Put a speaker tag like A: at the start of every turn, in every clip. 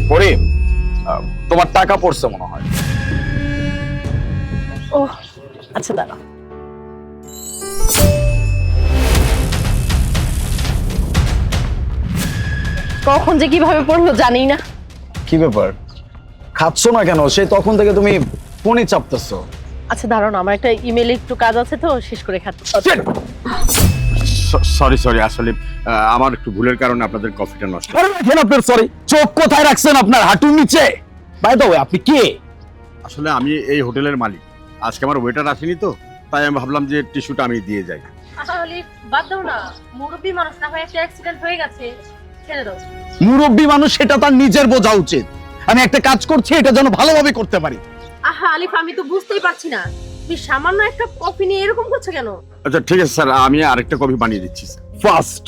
A: পরে তোমার টাকা পড়ছে মনে হয়।
B: ও আচ্ছা দাঁড়া। কখন যে কিভাবে পড়লো জানি না।
A: কি ব্যাপার, খাচ্ছ না কেন? সেই তখন থেকে তুমি ফোনই চাপতেছো।
B: আচ্ছা দাঁড়াও না, আমার একটা ইমেলে একটু কাজ আছে তো, শেষ করে খাচ্ছি।
C: সরি আসলে আমার একটু ভুলের কারণে আপনাদের কফিটা নষ্ট।
A: আরে রাখেন আপনার সরি, চোখ কোথায় রাখছেন আপনার? হাঁটুর নিচে। বাই দ্য ওয়ে, আপনি কে?
C: আসলে আমি এই হোটেলের মালিক, আজকে আমার ওয়েটার আসেনি তো, তাই আমি ভাবলাম যে টিস্যুটা আমি দিয়ে যাই।
B: আসলে বাদ দাও না, মুরব্বী মানুষ না হয়, একটা অ্যাক্সিডেন্ট হয়ে গেছে, ছেড়ে দাও।
A: মুরব্বী মানুষ, সেটা তার নিজের বোঝা উচিত। আমি একটা কাজ করছি, এটা যেন ভালোভাবে করতে পারি।
B: আহা আলিফ, আমি তো বুঝতেই পারছি না তুমি সামান্য একটা কফি নিয়ে এরকম করছো কেন?
C: আচ্ছা ঠিক আছে স্যার, আমি আরেকটা কফি বানিয়ে দিচ্ছি স্যার।
A: ফার্স্ট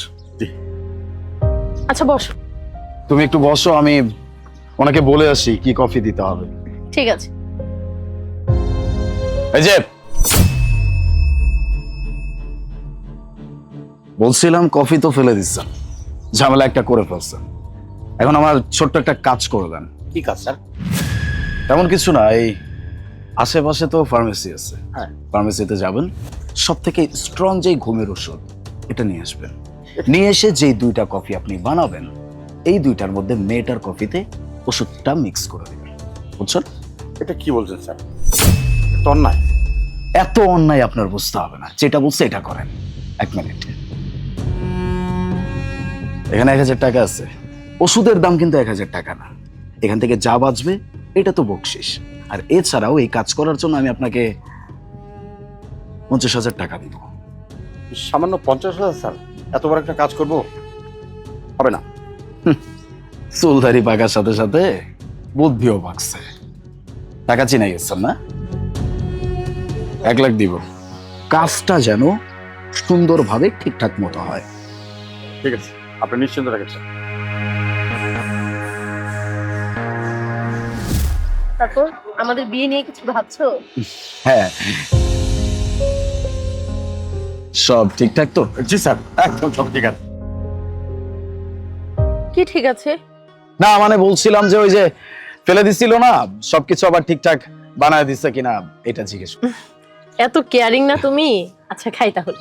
B: আচ্ছা বসো।
A: তুমি একটু বসো, আমি ওনাকে বলে আসি কি কফি দিতে হবে।
B: ঠিক আছে।
A: এই যে বলছিলাম, কফি তো ফেলে দিচ্ছেন, ঝামেলা একটা করে ফেলছেন। এখন আমার ছোট্ট একটা কাজ করে দেন।
C: কি কাজ স্যার?
A: তেমন কিছু না, এই আশেপাশে তো ফার্মেসি আছে,
C: হ্যাঁ।
A: ফার্মেসিতে যাবেন, সব থেকে স্ট্রং যেই ঘুমের ওষুধ এটা নিয়ে আসবেন। নিয়ে এসে যেই দুইটা কফি আপনি বানাবেন, এই দুইটার মধ্যে মেয়েটার কফিতে ওষুধটা মিক্স করে দেবেন, বুঝছেন?
C: এটা কি বলছেন স্যার? এটা অন্যায়।
A: এত অন্যায় আপনার বুঝতে হবে না, যেটা বলছে এটা করেন। 1 মিনিট, এখানে 1000 টাকা আছে। ওষুধের দাম কিন্তু 1000 টাকা না। এখান থেকে যা বাঁচবে এটা তো বকশিস। আর এছাড়াও এই কাজ করার জন্য আমি আপনাকে 50,000 টাকা দিব।
C: সামান্য 50,000 স্যার? এত বড় একটা কাজ করব? হবে না।
A: চুলদারি পাকার সাথে সাথে বুদ্ধিও পাকছে। টাকা চিনাই গেছেন না? 1 লাখ দিব। কাজটা যেন সুন্দরভাবে ঠিকঠাক মতো হয়।
C: ঠিক আছে, আপনি নিশ্চিন্ত রাখেন স্যার।
B: তারপর আমাদের বিয়ে নিয়ে কিছু ভাবছো?
A: হ্যাঁ, সব ঠিকঠাক তো?
C: জি স্যার, একদম সব ঠিক আছে।
B: কি ঠিক আছে?
A: না মানে বলছিলাম যে ওই যে ফেলে দিছিল না, সবকিছু আবার ঠিকঠাক বানায় দিচ্ছে কিনা এটা জিজ্ঞেস
B: এত কেয়ারিং না তুমি। আচ্ছা খাই তাহলে।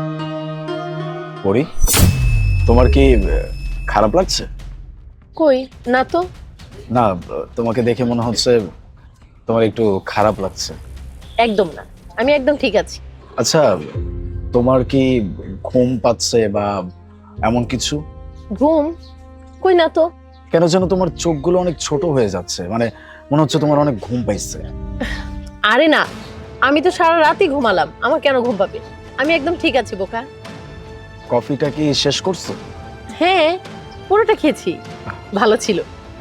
A: করি। তোমার কি খারাপ লাগছে?
B: কই না তো।
A: না, তোমাকে দেখে মনে হচ্ছে তোমার একটু খারাপ লাগছে।
B: একদম না, আমি একদম ঠিক আছি।
A: আচ্ছা, তোমার কি ঘুম পাচ্ছে বা এমন কিছু?
B: ঘুম? কই না তো।
A: কেন যেন তোমার চোখগুলো অনেক ছোট হয়ে যাচ্ছে, মানে মনে হচ্ছে তোমার অনেক ঘুম পাইছে।
B: আরে না, আমি তো সারা রাতই ঘুমালাম, আমার কেন ঘুম পাবে? আমি একদম ঠিক আছি বোকা।
A: কফিটা কি শেষ করছো?
B: হ্যাঁ, পুরোটা খেয়েছি, ভালো ছিল।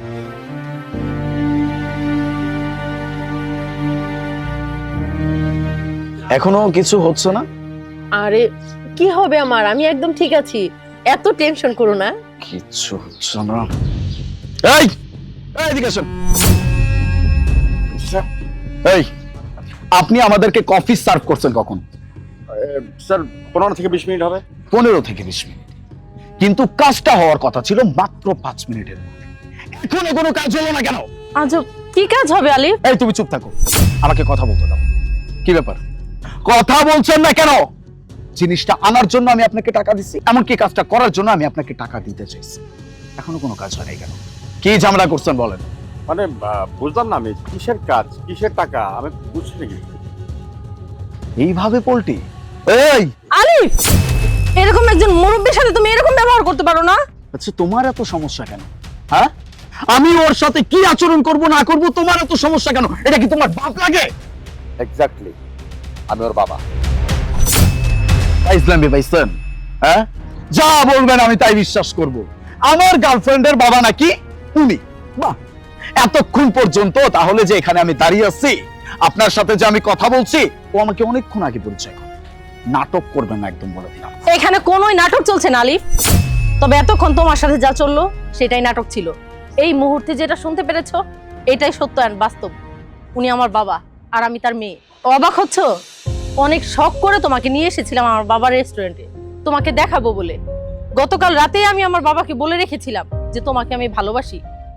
A: এখনো কিছু হচ্ছে না?
B: আরে কি হবে আমার, আমি একদম ঠিক আছি, এত টেনশন করো না।
A: কিচ্ছু হচ্ছে না। এই এদিকে আসুন।
C: স্যার,
A: এই, আপনি আমাদেরকে কফি সার্ভ করছেন কখন?
C: স্যার 15 থেকে 20 মিনিট হবে।
A: 15 থেকে 20 মিনিট, কিন্তু কাজটা হওয়ার কথা ছিল মাত্র 5 মিনিটের মধ্যে। এখনো কোনো কাজ হলো না কেন?
B: আজব, কি কাজ হবে আলিফ?
A: এই তুমি চুপ থাকো, আমাকে কথা বলতে দাও। কি ব্যাপার, কথা বলছেন না কেন? জিনিসটা আনার জন্য আমি আপনাকে টাকা দিচ্ছি, এমনকি কাজটা করার জন্য আমি আপনাকে টাকা দিতে চাইছি, এখনো কোনো কাজ হয় নাই কেন? কি ঝামেলা করছেন বলেন?
C: মানে বুঝলাম না আমি, কিসের কাজ কিসের টাকা আমি বুঝছি নাকি?
A: এইভাবে পল্টি? এই
B: আলিফ, এরকম একজন মুরব্বির সাথে তুমি এরকম ব্যবহার করতে পারো না?
A: আচ্ছা, তোমার এত সমস্যা কেন? হ্যাঁ, আমি ওর সাথে কি আচরণ করব না করব, তোমার এত সমস্যা কেন? এটা কি তোমার বাপ লাগে?
C: এক্স্যাক্টলি, আমি ওর বাবা।
A: ইসলাম পাইছেন? হ্যাঁ, যা বলবেন আমি তাই বিশ্বাস করব। আমার গার্লফ্রেন্ডের বাবা নাকি উনি? বাহ, এতক্ষণ পর্যন্ত তাহলে যে এখানে আমি দাঁড়িয়ে আছি, আপনার সাথে যে আমি কথা বলছি, ও আমাকে অনেকক্ষণ আগে পরিচয় করে। নাটক করবেন না একদম, বলে দিলাম।
B: এখানে কোনোই নাটক চলছে না আলিফ, তবে এতক্ষণ তোমার সাথে যা চললো সেটাই নাটক ছিল। এই মুহূর্তে যেটা শুনতে পেরেছো এটাই সত্য আর বাস্তব। উনি আমার বাবা আর আমি তার মেয়ে। অবাক হচ্ছ? অনেক শখ করে তোমাকে নিয়ে এসেছিলাম আমার বাবার রেস্টুরেন্টে তোমাকে দেখাবো বলে। গতকাল রাতেই আমি আমার বাবাকে বলে রেখেছিলাম যে তোমাকে আমি ভালোবাসি,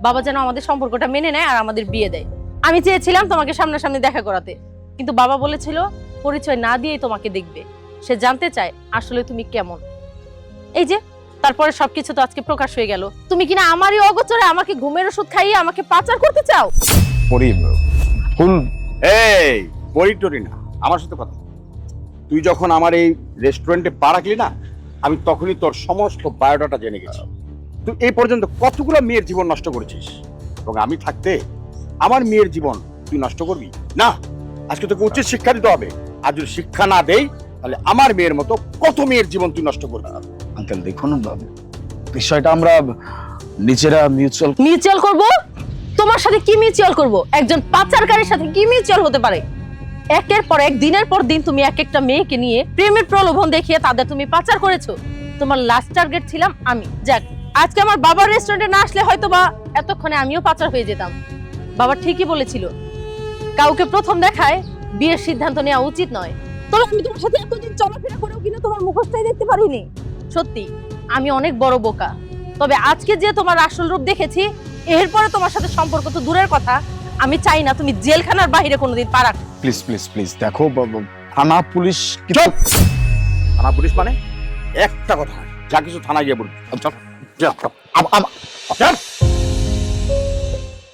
B: বাবা যেন আমাদের সম্পর্কটা মেনে নেয় আর আমাদের বিয়ে দেয়। আমি চেয়েছিলাম তোমাকে সামনাসামনি দেখা করাতে, কিন্তু বাবা বলেছিল পরিচয় না দিয়েই তোমাকে দেখবে। সে জানতে চায় আসলে তুমি কেমন। এই যে তারপরে সবকিছু তো আজকে প্রকাশ হয়ে গেল। তুমি কিনা আমারই অগোচরে আমাকে ঘুমের ওষুধ খাইয়ে আমাকে পাচার করতে চাও।
A: পরি ফুল
C: এই পরিটরি না, আমার সাথে কথা। তুই যখন আমার এই রেস্টুরেন্টে পা রাখলি না, আমি তখনই তোর সমস্ত বায়োডাটা জেনে গেছি। তুই এই পর্যন্ত কতগুলো মেয়ের জীবন নষ্ট করেছিস, এবং আমি থাকতে আমার মেয়ের জীবন তুই নষ্ট করবি না। আজকে তোকে উচিত শিক্ষা দিতে হবে, আর যদি শিক্ষা না দেই তাহলে আমার মেয়ের মতো কত মেয়ের জীবন তুই নষ্ট করবি।
A: আঙ্কেল দেখুন, বিষয়টা আমরা নিজেরা
B: মিউচুয়াল করব? তোমার সাথে কি মিউচুয়াল করব? একজন পাচারকারীর সাথে কি মিউচুয়াল হতে পারে? একের পর এক, দিনের পর দিন তুমি এক একটা মেয়েকে নিয়ে প্রেমের প্রলোভন দেখিয়ে তাদের তুমি পাচার করেছো। তোমার লাস্ট টার্গেট ছিলাম আমি। যাক, আজকে আমার বাবার রেস্টুরেন্টে না আসলে হয়তো বা এতক্ষণে আমিও পাচার হয়ে যেতাম। বাবা ঠিকই বলেছিল, কাউকে প্রথম দেখায় বিয়ের সিদ্ধান্ত নেওয়া উচিত নয়। তবে আমি তোমার সাথে এতদিন চলাফেরা করেও কিনা তোমার মুখোশটাই দেখতে পারিনি। সত্যি আমি অনেক বড় বোকা। তবে আজকে যে তোমার আসল রূপ দেখেছি, এরপরে তোমার সাথে সম্পর্ক তো দূরের কথা, আমি চাই না তুমি জেলখানার বাইরে কোনোদিন পা রাখো।
A: প্লিজ প্লিজ প্লিজ দেখো, থানা পুলিশ
C: চুপ! থানা পুলিশ মানে একটা কথা, যা কিছু থানায় গিয়ে বলবি। চল, যা, চল।